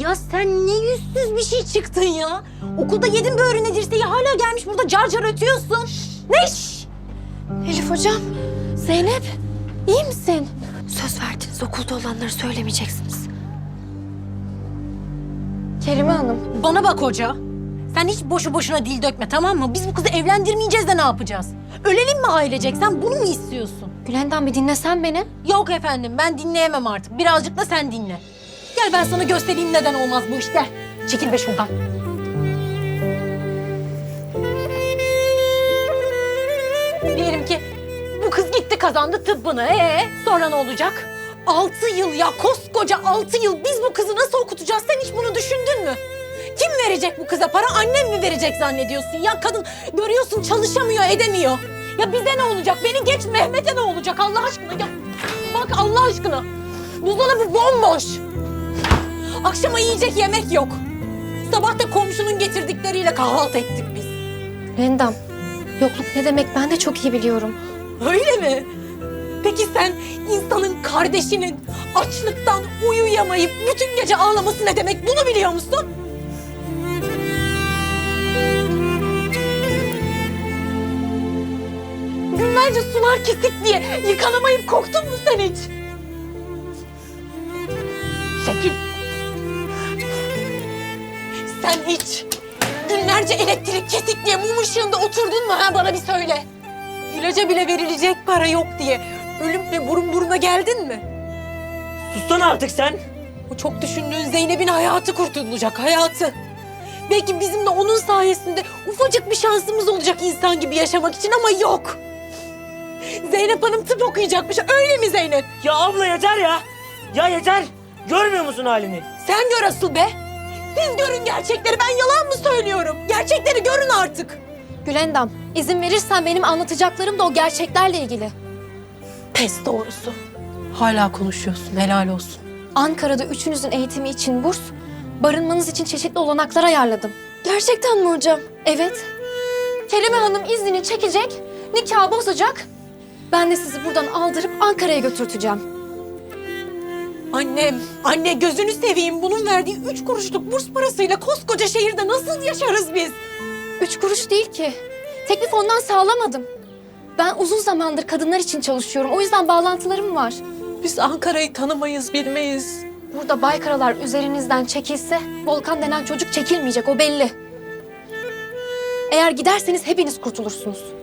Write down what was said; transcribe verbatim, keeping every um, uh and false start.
Ya sen ne yüzsüz bir şey çıktın ya. Okulda yedin böğrüne dirseği hala gelmiş burada car car ötüyorsun. Ne iş? Elif hocam, Zeynep iyi misin? Söz verdiniz okulda olanları söylemeyeceksiniz. Kerime Hanım. Bana bak hoca. Sen hiç boşu boşuna dil dökme, tamam mı? Biz bu kızı evlendirmeyeceğiz de ne yapacağız? Ölelim mi ailecek? Sen bunu mu istiyorsun? Gülendam bir dinlesen beni. Yok efendim, ben dinleyemem artık. Birazcık da sen dinle. Gel ben sana göstereyim neden olmaz bu iş. Gel. Çekil be şuradan. Diyelim ki bu kız gitti kazandı tıbbını. Ee, sonra ne olacak? Altı yıl ya, koskoca altı yıl biz bu kızı nasıl okutacağız? Sen hiç bunu düşündün mü? Kim verecek bu kıza para? Annem mi verecek zannediyorsun? Ya kadın görüyorsun çalışamıyor, edemiyor. Ya bize ne olacak? Beni geç, Mehmet'e ne olacak Allah aşkına? Ya bak Allah aşkına. Buzdolabı bomboş. Akşama yiyecek yemek yok. Sabah da komşunun getirdikleriyle kahvaltı ettik biz. Gülendam, yokluk ne demek ben de çok iyi biliyorum. Öyle mi? Peki sen insanın kardeşinin açlıktan uyuyamayıp bütün gece ağlaması ne demek? Bunu biliyor musun? Günlerce sular kesik diye yıkanamayıp korktun mu sen hiç? Çekil. Sen hiç günlerce elektrik kesik diye mum ışığında oturdun mu ha, bana bir söyle. İlaca bile verilecek para yok diye ölümle burun buruna geldin mi? Sussana artık sen. O çok düşündüğün Zeynep'in hayatı kurtulacak, hayatı. Belki bizim de onun sayesinde ufacık bir şansımız olacak insan gibi yaşamak için ama yok. Zeynep Hanım tıp okuyacakmış, öyle mi Zeynep? Ya abla yeter ya. Ya yeter. Görmüyor musun halini? Sen gör asıl be. Siz görün gerçekleri, ben yalan mı söylüyorum? Gerçekleri görün artık. Gülendam, izin verirsen benim anlatacaklarım da o gerçeklerle ilgili. Pes doğrusu. Hala konuşuyorsun, helal olsun. Ankara'da üçünüzün eğitimi için burs, barınmanız için çeşitli olanaklar ayarladım. Gerçekten mi hocam? Evet. Kerime Hanım iznini çekecek, nikahı bozacak. Ben de sizi buradan aldırıp Ankara'ya götürteceğim. Annem, anne gözünü seveyim. Bunun verdiği üç kuruşluk burs parasıyla koskoca şehirde nasıl yaşarız biz? Üç kuruş değil ki. Teklif ondan sağlamadım. Ben uzun zamandır kadınlar için çalışıyorum. O yüzden bağlantılarım var. Biz Ankara'yı tanımayız, bilmeyiz. Burada Baykaralar üzerinizden çekilse Volkan denen çocuk çekilmeyecek, o belli. Eğer giderseniz hepiniz kurtulursunuz.